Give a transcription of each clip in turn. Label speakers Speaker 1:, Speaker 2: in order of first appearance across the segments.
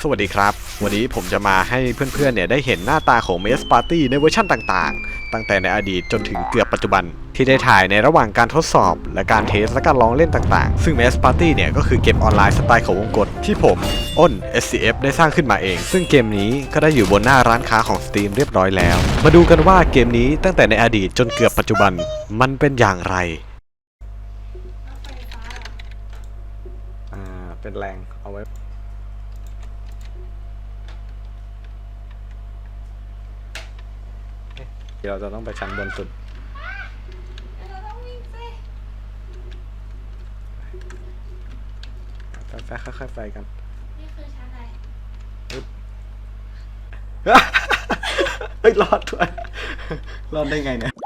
Speaker 1: สวัสดีครับวันนี้ผมจะมาให้เพื่อนๆเนี่ยได้เห็นหน้าตาของ Mess Party ในเวอร์ชั่นต่างๆตั้งแต่ในอดีตจนถึงเกือบปัจจุบันที่ได้ถ่ายในระหว่างการทดสอบและการเทสและการลองเล่นต่างๆซึ่ง Mess Party เนี่ยก็คือเกมออนไลน์สไตล์ของวงกตที่ผมอ้น SCF ได้สร้างขึ้นมาเองซึ่งเกมนี้ก็ได้อยู่บนหน้าร้านค้าของ Steam เรียบร้อยแล้วมาดูกันว่าเกมนี้ตั้งแต่ในอดีตจนเกือบปัจจุบันมันเป็นอย่างไรเป็นแรงเอาไว้เราจะต้องไปชั้นบนสุด
Speaker 2: เราต้องวิ่งสิ
Speaker 1: ค่อยๆไปกัน
Speaker 2: นี่คือชั้นอะไร
Speaker 1: เฮ้ยรอดด้วยรอดได้ไงเนี่ย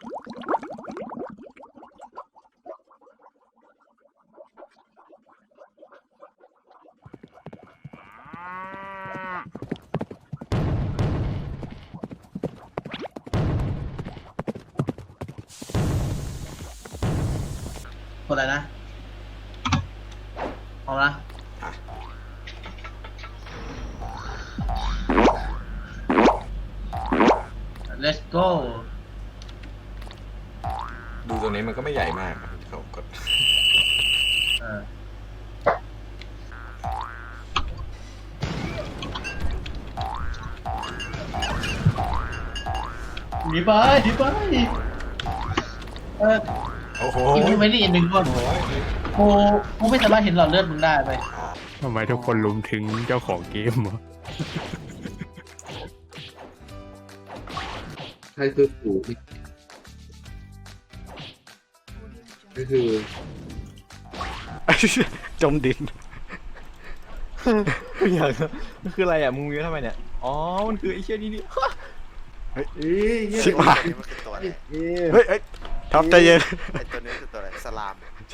Speaker 3: กดอะไรนะเอาละ let's go
Speaker 1: ดูตรงนี้มันก็ไม่ใหญ่มากเขากด
Speaker 3: หนีไป
Speaker 1: โอ้โห
Speaker 3: อีกไม่ได้อีกหนึ่งคนกูไม่สามารถเห็นหลอดเลือดมึงได้ไป
Speaker 4: ทำไมทุกคนลุมถึงเจ้าของเกมวะ
Speaker 5: ใช่คือสูที่ก็คือ
Speaker 1: จมดิน
Speaker 6: อย่างมันคืออะไรอ่ะมึงวิวทำไมเนี่ยอ๋อมันคือไอ้เชี่ยนี่นี่
Speaker 1: ชิบหาย
Speaker 7: มันคือตัวอะไร
Speaker 1: เฮ้ยท็อปใจเย็น
Speaker 7: ไอตัวนี้คือตัวอะไรสลาม
Speaker 1: ใช่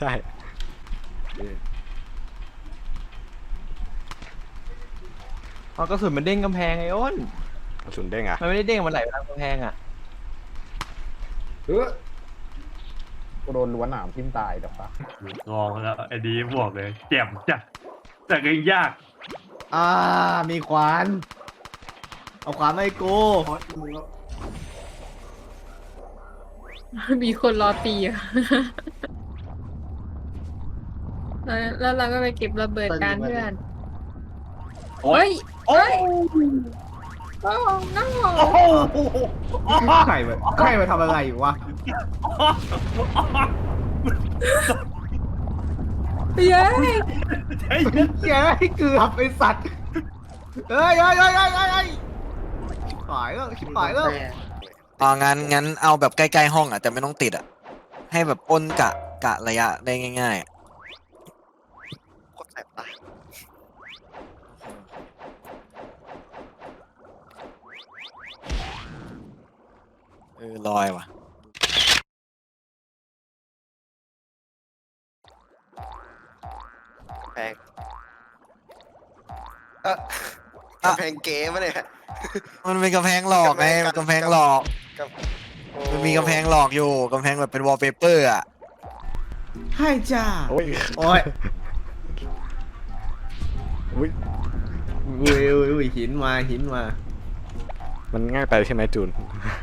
Speaker 6: อ๋อกระสุนมันเด้งกำแพงไอ้อ้น
Speaker 1: กระสุนเด้งอ่ะ
Speaker 6: มันไม่ได้เด้งมันไหลไปตามกำแพงอ่ะ
Speaker 8: ก็โดนล้วนหนามทิ่มตายกับปะ
Speaker 4: ลองแล้วไอ้ดีบอกเลยเจ็บจัดแต่ก็ยังยาก
Speaker 6: มีขวานเอาขวานมาให้กู
Speaker 2: มีคนรอตีอ่ะแล้วเราก็ไปเก็บระเบิดการเพื่อนโอ้ยโอ้ยโอ้น้อง
Speaker 6: ใครมาทำอะไรอยู่วะ
Speaker 2: เย้ย
Speaker 6: แกให้เกือบไอ้สัตว์เฮ้ยหายแล้วชิบหายแล้ว
Speaker 9: งั้นเอาแบบใกล้ๆห้องอ่ะแต่ไม่ต้องติดอ่ะให้แบบอ้นกะระยะได้ง่ายๆอะ
Speaker 7: โคตรแสบตา
Speaker 9: ลอยว่ะ
Speaker 7: แพงกำแพงเก๋มาเนี่ย
Speaker 9: มันเป็นกำแพงหลอกไงกำแพงหลอก
Speaker 7: โอ้
Speaker 9: มันมีกำแพงหลอกอยู่กำแพงแบบเป็นวอลเปเปอร์อ่ะ
Speaker 6: ให้จ้า
Speaker 1: โอ้ย
Speaker 6: โอ้ย
Speaker 1: อุ้ย
Speaker 6: อุ้ยหินมา
Speaker 1: มันง่ายไปใช่ไหมจูน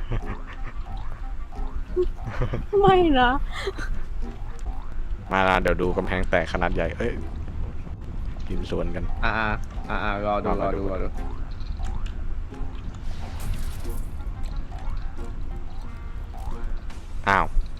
Speaker 2: ไม่นะ
Speaker 1: มาละเดี๋ยวดูกำแพงแตกขนาดใหญ่เอ้ยกินสวนกัน
Speaker 6: รอดู
Speaker 1: อ้าว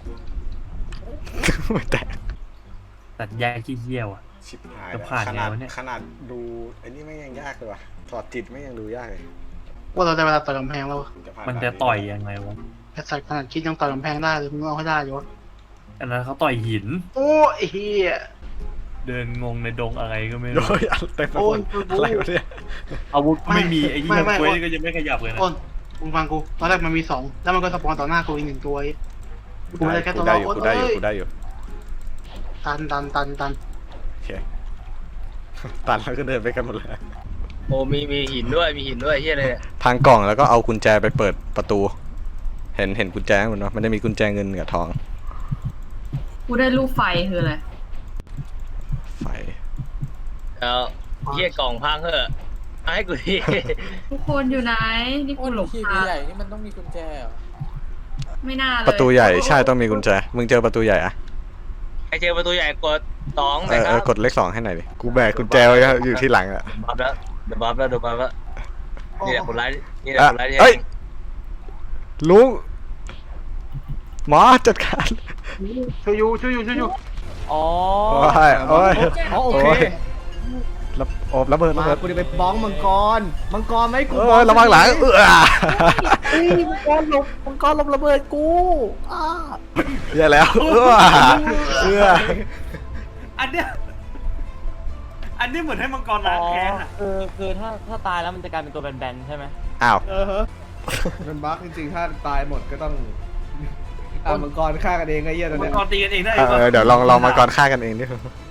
Speaker 1: ไม่แตก
Speaker 4: ตัดแยกขี้เหี้ยวอ่ะ
Speaker 1: ชิบหาย
Speaker 4: จะผ่านไงวะเนี่ย
Speaker 1: ขนาดดูไอ้นี่ไม่ยังยากเลยว่ะถอดจิตไม่ยังดูยากเลย
Speaker 3: ว่าเราได้เวลาต่อยกำแพงแล้ว
Speaker 1: ผ่า
Speaker 4: มัน
Speaker 1: ด่า
Speaker 4: จะต่อยยังไงวะ
Speaker 3: ไอ้สัตว์ขนาดคิดยังต่อยกำแพงได้เลยมึงเอาให้ได้อยู่วะ
Speaker 4: อันนั้นเขาต่อยหิน
Speaker 3: โอ้ไอ้เหี้ย
Speaker 4: เดินงงในดงอะไรก็ไม่รู้
Speaker 1: โอ้ยเต็มไปหมดอะไรวะเนี่ย
Speaker 4: อาวุธก็ไม่มีไอ้เหี้ย
Speaker 3: ไม่
Speaker 4: เควสก็ยังไม่ขยับเลยนะ
Speaker 3: อ้นมึงฟังกูตอนแรกมันมี2แล้วมันก็สปอนต่อหน้ากูอีก1ตัวกูไม่ได้แค่
Speaker 1: กู
Speaker 3: ตัว
Speaker 1: ได้
Speaker 3: เรา
Speaker 1: อยู่กูได้อยู่กูได้อยู่
Speaker 3: ตัน
Speaker 1: โอเคตันแล้วก็เดินไปกันหมดเลย
Speaker 10: โอ้มีหินด้วยเฮียเลยเนี่ย
Speaker 1: ทางกล่องแล้วก็เอากุญแจไปเปิดประตู เห็นกุญแจมันเนาะมันจะมีกุญแจเงินกับทอง
Speaker 2: กูได้รูปไฟคืออะไร
Speaker 1: ไฟ
Speaker 10: เอาเฮียกล่องพังเหอะให้กูที
Speaker 2: ทุกคนอยู่ไหนนี่กูหลง
Speaker 11: ที่
Speaker 2: ทาง
Speaker 11: ใหญ่นี่มันต้องมีกุญแจเหรอ
Speaker 2: ไม่น่าเลย
Speaker 1: ประตูใหญ่ใช่ต้องมีกุญแจมึงเจอประตูใหญ่อะ
Speaker 10: ใครเจอประตูใหญ่กด2
Speaker 1: เอ
Speaker 10: นะ
Speaker 1: อ
Speaker 10: ค
Speaker 1: เอ
Speaker 10: รั
Speaker 1: อบ กดเลข2ให้หน่อยดิกูแบกกุญแจไว้อยู่ที่หลังอะ
Speaker 10: บัฟแล้วเดี๋ยวบัฟแล้วนี่แหละคนร้ายนี่แหละคนร้ายที่
Speaker 1: เอ้ยลุงหมอจัดการ
Speaker 3: ช่วยอยู่
Speaker 11: อ๋อ
Speaker 1: โอ้ยโอ้ย
Speaker 6: อ๋อโอเค
Speaker 1: โอ้ยโอบระเบิด
Speaker 6: มา
Speaker 1: ระเบิด
Speaker 6: กูจะไปบ้องมังกรไม่กู
Speaker 1: เออระวังหลัง
Speaker 6: มังกรหลบระเบิดกูอ้า
Speaker 1: อย่าแล้วเออ
Speaker 4: อันเนี้ยเหมือนให้มังกรล้างแค้นอ่ะ
Speaker 11: คือถ้าตายแล้วมันจะกลายเป็นตัวแบนๆใช่ไหม
Speaker 1: อ้าว
Speaker 6: มันบั๊กจริงๆถ้าตายหมดก็ต้องมังกรฆ่ากันเองไอ้เหี้ยตอน
Speaker 4: มั
Speaker 6: เนี้
Speaker 4: ง
Speaker 6: ย
Speaker 4: กรตีกันเองได้
Speaker 1: เออเดี๋ยวลองมาก่อนฆ่ากันเองดิ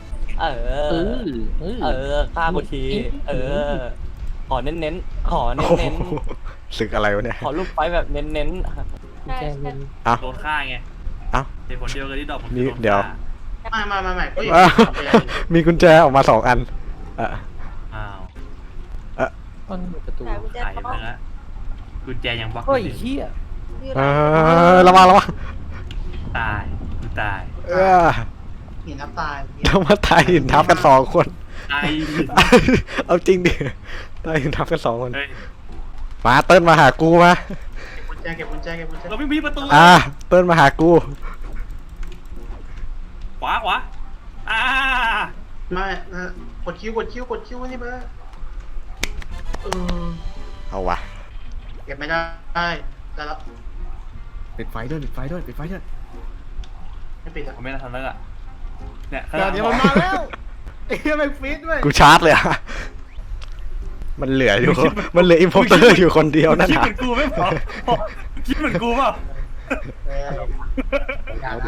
Speaker 11: ฆ่ากูที ขอเน้นๆ ขอเน้
Speaker 1: โอ้โห
Speaker 11: น
Speaker 1: ศึกอะไรวะเนี่ย
Speaker 11: ๆ ขอลูกไฟแบบเน้น
Speaker 2: ใช่ใช่
Speaker 4: โดนฆ่าไง
Speaker 1: เอ้า
Speaker 4: เหตุผลเดียวกันที่ดอกผม
Speaker 1: นี่เดี๋ยว
Speaker 3: ไม่ก็อย่าง
Speaker 1: อ้าวมีกุญแจออกมา2 อันอ่ะ
Speaker 4: อ้าว
Speaker 11: ๆต้นประตู
Speaker 4: ขายยังไงนะกุญแจยังบล็อก
Speaker 11: เฮ้ย
Speaker 4: อยู่
Speaker 11: เฮีย
Speaker 1: ระวัง
Speaker 4: ตายกูตาย
Speaker 3: หินทับตาย
Speaker 1: เรามาตายหินทับกัน2 คน
Speaker 4: ตาย
Speaker 1: เอาจริงดิตายหินทับกัน2 คน
Speaker 4: เฮ้ย
Speaker 1: มาเติ้ลมาหากูมา
Speaker 3: เก็บกุญแจ
Speaker 4: เราไม่มีประตู
Speaker 1: เติ้ลมาหากู
Speaker 4: ขวา
Speaker 3: ไม่กดคิวนี่เบอร์
Speaker 1: เอาวะ
Speaker 3: เก็บไม่ได้แล้ว
Speaker 6: ปิดไฟด้วย
Speaker 3: ไม่ปิดอ่ะ
Speaker 4: ผมไม่ได้ทำแล้วอ่ะเนี่ย
Speaker 6: เดี๋ยวมันมาแล้วไอ้เหี้ยมันฟีดด้วย
Speaker 1: กูชาร์จเลยอะมันเหลืออยู่มันเหลืออิมโพเตอร์อยู่คนเดียวนั่น
Speaker 4: คิด
Speaker 1: น่ะ
Speaker 4: เหมือนกูไม่พอคิดเหมือนกูเปล่า
Speaker 3: อย่า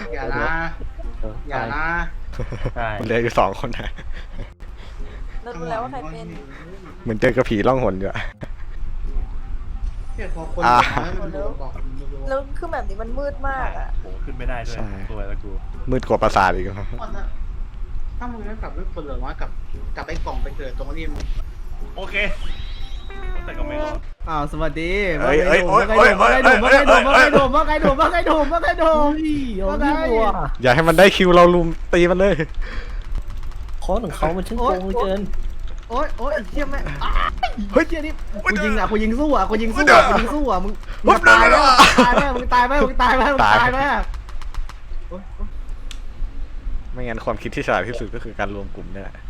Speaker 3: นะ
Speaker 4: ใช่
Speaker 1: มันเหลืออยู่2 คนนะ
Speaker 2: เรารู้แล้วว่าใครเป็น
Speaker 1: เหมือนเจอกระผีล่องหนอยู่อะ
Speaker 3: เนี่ยพอคนบอก
Speaker 2: แล้วคือแบบนี้มันมืดมากอ่ะ
Speaker 4: โอ้ขึ้นไม่ได้ด้วยตัวแล้วกู
Speaker 1: มืดกว่าปราสาทอีกครับ
Speaker 3: ถ้ามึงไม่กลับด้วยคนเหลือน้อยกับไอ้กล่องไปเกิดตรงนี้
Speaker 4: โอเคแต่ก็ไม่รอด
Speaker 6: สวัสดี
Speaker 1: เอ้ย
Speaker 6: ว่าไงโดม
Speaker 1: อย่าให้มันได้คิวเราลุมตีมันเลย
Speaker 11: ขอของเขามันช่างโกงเกิน
Speaker 6: โอ๊ยเหี้ยแม่
Speaker 1: เฮ้ย
Speaker 6: เหี้ยนี่กูยิงสู้อ่ะมึงตายไหม
Speaker 1: ไม่งั้นความคิดที่ฉลาดที่สุดก็คือการรวมกลุ่มเนี่ยแหละ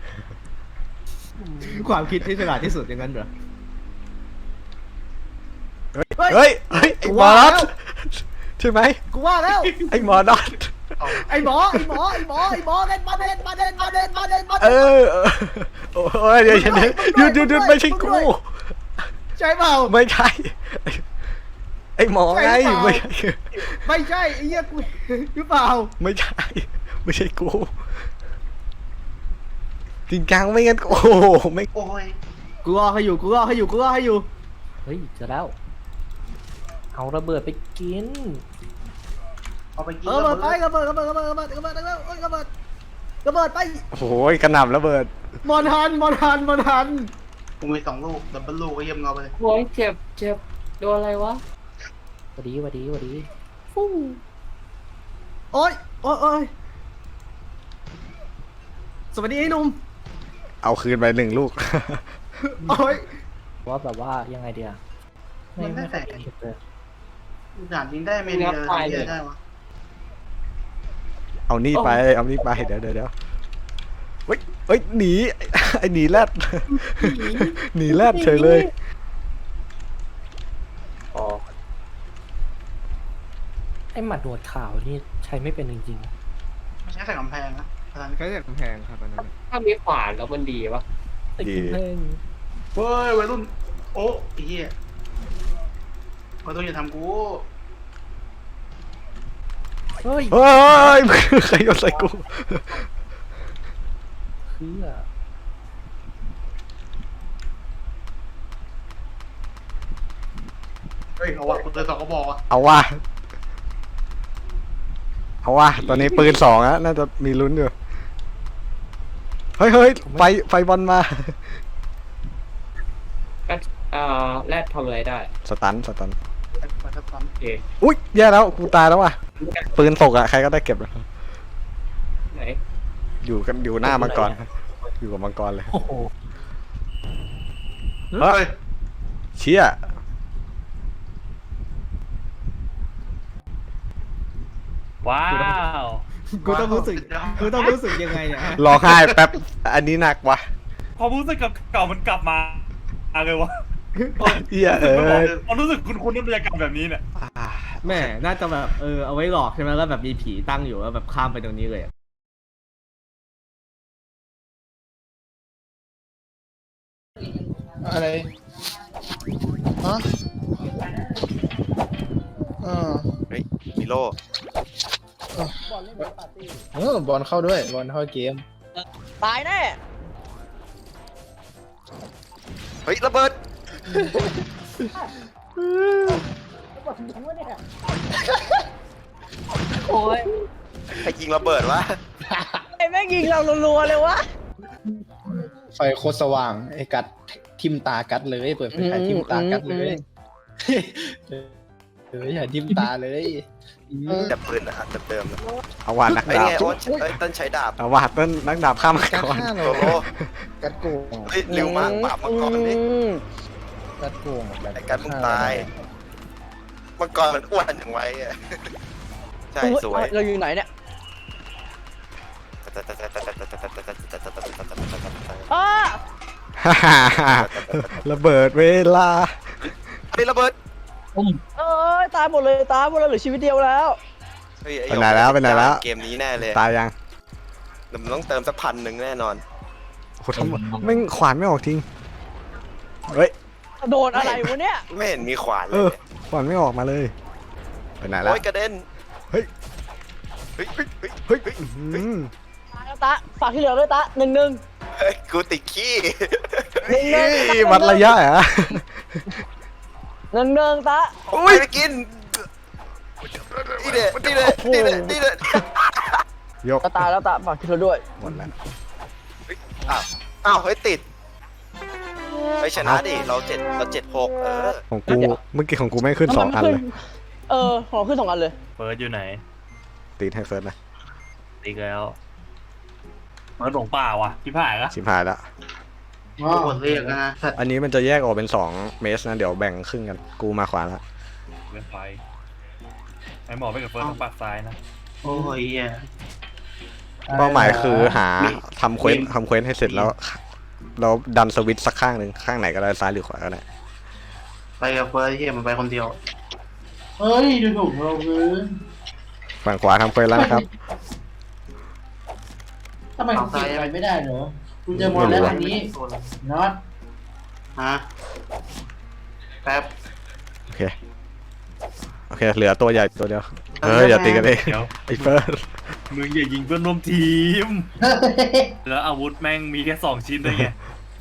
Speaker 6: ความคิดที่ฉลาดที่สุดอย่างนั้นเหรอ
Speaker 1: เฮ้ยไอ้หมอนัทใช่ไหม
Speaker 6: กูว่าแล้ว
Speaker 1: ไอ้หมอนัท
Speaker 6: ไอ้หมอเล่นมาเด่น
Speaker 1: โอ้ยเดี๋ยวหยุดไม่ใช่กู
Speaker 6: ใช่เปล่า
Speaker 1: ไม่ใช่ไอ้หมอไงไม่ใช่
Speaker 6: ไม่ใช่ไอ้เหี้ยกูหรือเปล่า
Speaker 1: ไม่ใช่ไม่ใช่กูจริงจังไม่งั้นโอ้โหไม่
Speaker 3: โอ้ย
Speaker 6: กูรอให้อยู่
Speaker 11: เฮ้ยเจอแล้ว เอาระเบิดไปกิน
Speaker 3: เอาไปกิน
Speaker 6: ระเบิดไประเบิดไป
Speaker 1: โอ้โหกระหน่ำระเบิด
Speaker 6: มอนฮัน
Speaker 3: กูมี2 ลูกดับเบิลลูกก็เยี่ยมเราไปเลย
Speaker 11: โอ้ยเจ็บโดนอะไรวะสวัสดีฟู่
Speaker 6: โอ๊ยสวัสดีไอ้หนุ่ม
Speaker 1: เอาคืนไป1 ลูก
Speaker 6: โอ๊ย
Speaker 11: ว่าแบบว่ายังไงเดีย
Speaker 3: มันได้แต่
Speaker 11: เจ็บเลย
Speaker 3: ด่านยิงได้ไม่ได้เลยได้วะ
Speaker 1: เอานี่ไปเดี๋ยวเฮ้ยหนีไอ้หนีแรดหนีแรดเฉยเลย
Speaker 11: อ๋อไอหมัดหนวดขาวนี่ใช้ไม่เป็นจริง
Speaker 3: ไม่ใช่แต่กำแพงนะ
Speaker 6: แค่จากกำแพงครับอันนั้น
Speaker 11: ๆถ้ามีขวานแล้วมันดีปะติดกำแพง
Speaker 3: เฮ้ยวัยรุ่นโอ้ไอ้เหี้ยวัยรุ่นอย่าทำกู
Speaker 11: เฮ้ย
Speaker 1: เฮ้ยใครโยนใส่กู
Speaker 11: คือ
Speaker 3: เฮ้ยเอาวะกูเจอ2 กระบอกอ่ะ
Speaker 1: เอาว่ะตอนนี้ปืน2อะน่าจะมีลุ้นอยู่เฮ้ยไฟบอลมา
Speaker 11: แรดทำอะไรได้
Speaker 1: สตัน
Speaker 3: ไปสักตอน
Speaker 11: โอเค
Speaker 1: อุ้ยแย่แล้วกูตายแล้วว่ะปืนตกอะใครก็ได้เก็บเลย
Speaker 11: ไหน
Speaker 1: อยู่หน้ามังกรอยู่กับมังกรเลย
Speaker 11: โอ้โห
Speaker 1: เฮ้ยเชี่ย
Speaker 10: ว้าว
Speaker 6: กูต้องรู้สึกยังไงเนี่ยฮะ
Speaker 1: ร้องไห้แป๊บอันนี้หนักว่ะ
Speaker 4: ความรู้สึกกับเก่ามันกลับมาเลยวะ
Speaker 1: เหี้ย
Speaker 4: ความรู้สึกคุ้นๆในบรรยากาศแบบนี้เนี่ย
Speaker 6: แม่น่าจะแบบเอาไว้หลอกใช่ไหมแล้วแบบมีผีตั้งอยู่แล้วแบบข้ามไปตรงนี้เลยอะ
Speaker 5: อะไรฮะ
Speaker 7: เฮ้ยมิโล
Speaker 5: บอลเข้าด้วยบอลเข้าเกม
Speaker 12: ตายแน่
Speaker 7: เฮ้ยระเบิด
Speaker 12: โอ้ย
Speaker 7: ใครยิงระเบิดวะ
Speaker 12: ไอ้แม่งยิงเรารัวๆเลยวะ
Speaker 5: ไฟโคตรสว่างไอ้กัดทิมตากัดเลยเปิดไฟฉายทิมตากัดเลยอย่าทิมตาเลย
Speaker 7: แต่ปืนอะเดิมๆนะ
Speaker 1: เอาว่านัก
Speaker 7: ไอ้
Speaker 1: ดาบ
Speaker 7: ไงโอ๊ตเอ้ยต้นใช้ดาบ
Speaker 1: เอาว่าต้นนักดาบข้ามมัง
Speaker 5: กัด
Speaker 1: กร
Speaker 5: ฆ่า
Speaker 7: โซ
Speaker 5: เรา
Speaker 7: โล
Speaker 5: กัดโกง
Speaker 7: เฮ้ยเร็วมากปราบมังกรนี่
Speaker 5: กัดโกง
Speaker 7: ไอ้การมึงตายมังกรมันอ้วนอย่างไว้อะใช่สวย
Speaker 12: เราอยู่ไหนเนี่ยอ้า
Speaker 1: ระเบิดเวลา
Speaker 7: ไอ้ระเบิด
Speaker 12: เอ้ยตายหมดเลยเหลือชีวิตเดียวแล้ว
Speaker 7: เฮ้ยอ้
Speaker 1: ไปไหนแล้วไปไหนแล้ว
Speaker 7: เกมนี้แน่เลย
Speaker 1: ตายยัง
Speaker 7: มันต้องเติมสัก1,000แน่นอน
Speaker 1: โหทำไม่งขวานไม่ออกจริงเฮ้ย
Speaker 12: โดนอะไรวะเนี่ย
Speaker 7: ไม่เห็นมีขวานเล
Speaker 1: เอย ขวานไม่ออกมาเลยไปไหนแล้ว
Speaker 7: โอ้ยกระเด็น
Speaker 1: เฮ้ย
Speaker 7: เฮ้ยเฮ้ยเฮ้ย
Speaker 1: เฮ้ย
Speaker 12: ตายแล้วตะฝากที่เหลือด้วยตะ1-1
Speaker 7: เฮ้ยกูติดขี้
Speaker 1: วัดระยะเหรอ
Speaker 12: 1-1ตะ
Speaker 7: โอ้ยไปกินนี่เด็ดนี่เด็ดนี่เด็ดนี่เด็ด
Speaker 1: ยก
Speaker 12: ก็ตายแล้วตะฝากที่เหลือด้วย
Speaker 1: หมดแล้ว
Speaker 7: อ้าวเฮ้ยติดไปชนะดิเรา7-6
Speaker 1: ของกูเมื่อกี้ของกูไม่ขึ้น2 อันเลย
Speaker 12: ของขึ้น2 อันเลย
Speaker 10: เฟิร์สอยู่ไหน
Speaker 1: ตีให้เฟิร์สนะ
Speaker 10: ตีแล้ว
Speaker 4: เหมือนหลงป่าว่ะพี่ผ่ายละ
Speaker 1: ชิมหายแล้ว
Speaker 3: กดเรียกนะสัตว์
Speaker 1: อันนี้มันจะแยกออกเป็น2 เมสนะเดี๋ยวแบ่งครึ่งกันกูมาขวาแล้ว
Speaker 4: เว้นไฟไอ้หมอไปกับเฟิร์สต้องปากซ้ายนะ
Speaker 3: โอ้ยเหี้ย
Speaker 1: เป้าหมายคือหาทำเควสให้เสร็จแล้วเราดันสวิตช์สักข้างหนึ่งข้างไหนก็ได้ซ้ายหรือขวาก็ได้
Speaker 3: ไปกับเฟิร์สเหี้ยมันไปคนเดียวเฮ้ยดูถูกเราคือ
Speaker 1: ฝั่งขวาทำเควสแล้วนะครับ
Speaker 3: ทำไมผมเก็บอะไรไม่ได้เหรอคุณจะมองแล้วอันนี้น็อตฮะแป๊บ
Speaker 1: โอเคเหลือตัวใหญ่ตัวเดียวอย่าตีกันเอง
Speaker 4: เดี๋ยว
Speaker 1: ไอ้เฟิร์ส
Speaker 4: มึงอย่ายิงเพื่อนร่วมทีม แล้วอาวุธแม่งมีแค่2 ชิ้นด้วยไง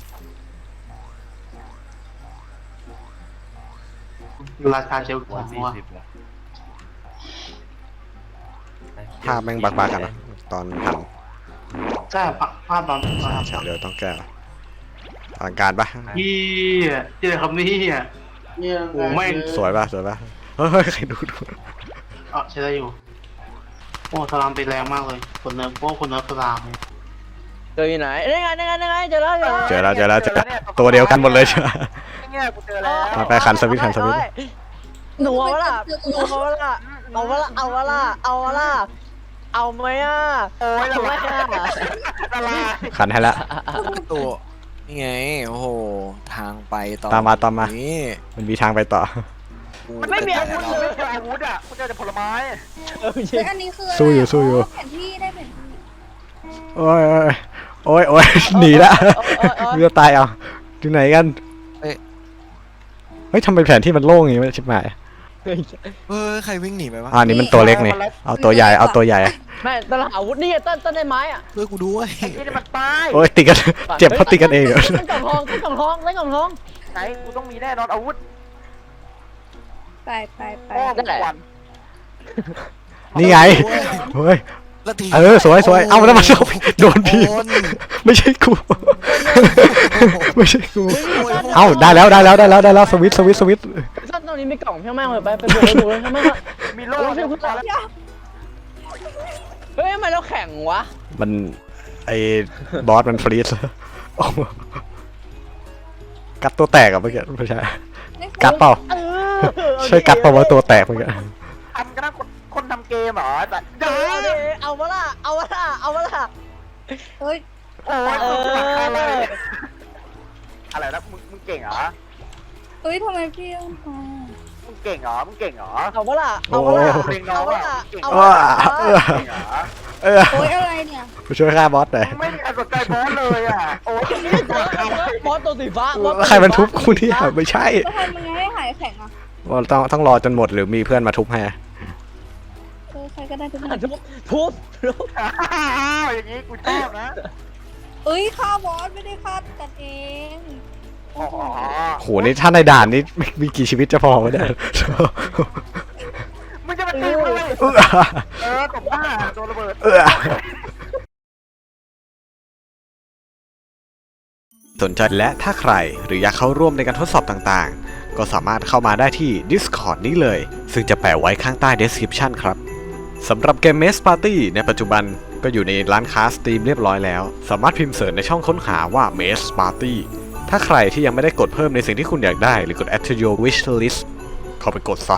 Speaker 3: ราคาเชล
Speaker 4: วัน
Speaker 3: หัว
Speaker 4: 40ว่ะ
Speaker 1: ภาพแม่งบักๆกันนะตอนหัน
Speaker 3: ใช่ภาพตอน
Speaker 1: ใช่เดี๋ยวต้องแก้อลังการปะ
Speaker 3: พี่เจอคำนี้อ่ะโอ้แม่ง
Speaker 1: สวยปะเฮ้ยใครดู
Speaker 3: ใช้ได้อยู่โอ้สลามไปแรงมากเลยคนเนิร์ฟพวกคนเนิร์ฟสลาม
Speaker 12: เจออยู่ไหนนี่ไงเจอแล้ว
Speaker 1: เจอแล้วตัวเดียวกันหมดเลยใช่ไหม
Speaker 12: เนี่ยกูเจอแล้ว
Speaker 1: ไปขันสวิตช์
Speaker 12: หนูเอาวะล่ะเอาวะล่ะเอาไหมอ่ะโอ้ยทำไมอ่ะ
Speaker 1: ขันให้แล้ว
Speaker 9: ตัวนี่ไงโอ้โหทางไปต่อ
Speaker 1: ตามมา
Speaker 9: นี่
Speaker 1: มันมีทางไปต่อ
Speaker 12: ไม่มีอาวุธเลย
Speaker 7: อาวุธอ่ะกูเจอแต่ผลไม้
Speaker 2: อันนี้คือ
Speaker 1: สู้อยู่
Speaker 2: แผนที่ได้แผนที่
Speaker 1: โอ้ยหนีละมันจะตายเอาที่ไหนกันเฮ้ยทำไมแผนที่มันโล่งอย่างงี้มันชิบหาย
Speaker 9: ใครวิ่งหนีไปวะ
Speaker 1: อันนี้มันตัวเล็กนี่เอาตัวใหญ่
Speaker 12: ไม่ตลาดอาวุธนี่ต้นได้ไม้อ่ะ
Speaker 9: ช่วยกูด้วย
Speaker 12: นี่มันตาย
Speaker 1: โอ้ยติดกันเจ็บเพราะติดกันเองเหรอ
Speaker 12: เล่นกล่องทองเล่นกล่องทองไหนกูต้องมีแน่นอนอาวุธ
Speaker 2: ไป
Speaker 12: นั่นแหละ
Speaker 1: นี่ไงเฮ้ย
Speaker 9: แล้วที
Speaker 1: สวยเอาแล้วมาชอบโดนทีมไม่ใช่กูไม่ใช่กูเอาได้แล้วสวิตช์
Speaker 12: ซ่อนตรงนี้มีกล่องเพี้ยแม่งเลยไปดูเลยใช่ไหมครับ
Speaker 7: มีโล่
Speaker 12: เฮ้ยทำไมเราแข่งวะ
Speaker 1: มันไอ้บอสมันฟรีซกัดตัวแตกอะเมื่อกี้ไม่ใช่กัดเปล่าใช่กัดเปล่าว่าตัวแตกเมื่อกี้
Speaker 7: ทำกันนะคนทำเกมเหรอแต่
Speaker 12: เอาวะล่ะ
Speaker 2: เฮ้ย
Speaker 7: โอ้ยอะไรนะมึงเก่งเหรอ
Speaker 2: เฮ้ยทำไมพี่ต้องมา
Speaker 7: มึงเก่งเหรอ
Speaker 12: เอาวะล่ะ
Speaker 7: เก่งน้องอ่ะเก่ง
Speaker 12: เอา
Speaker 7: เหร
Speaker 12: วะ
Speaker 7: อ
Speaker 12: ล่ะ
Speaker 2: โอ๊ยอะไรเนี่ย
Speaker 1: ไปช่วยฆ่าบอสหน่อย
Speaker 7: ไม่มีใครสนใจบอสเลยอ่ะโอ้ย
Speaker 12: บอสตัวสีฟ้า
Speaker 1: ใครมันทุบกูเนี่ยไม่ใช่
Speaker 2: ก็ทำยังไงให้หายแข็งอ่ะ
Speaker 1: ต้องรอจนหมดหรือมีเพื่อนมาทุบให้
Speaker 2: ใครก็ได้ทุกคน
Speaker 12: ทุบ
Speaker 7: อย่างนี้กูชอบนะ
Speaker 2: เอ้ยฆ่าบอสไม่ได้ฆ่ากันเอง
Speaker 7: อ๋อ
Speaker 1: โหนี่ถ้าในด่านนี้มีกี่ชีวิตจะพอวะเนี่ย
Speaker 7: มึงจะมาตีมึงเลยตบหน้าโดนระเบิด
Speaker 1: สนใจและถ้าใครหรืออยากเข้าร่วมในการทดสอบต่างๆ ก็สามารถเข้ามาได้ที่ Discord นี้เลย ซึ่งจะแปะไว้ข้างใต้ description ครับสำหรับเกม Maze Party ในปัจจุบันก็อยู่ในร้านค้า Steam เรียบร้อยแล้ว สามารถพิมพ์เสิร์ชในช่องค้นหาว่า Maze Party ถ้าใครที่ยังไม่ได้กดเพิ่มในสิ่งที่คุณอยากได้หรือกด add to your wish list เข้าไปกดซะ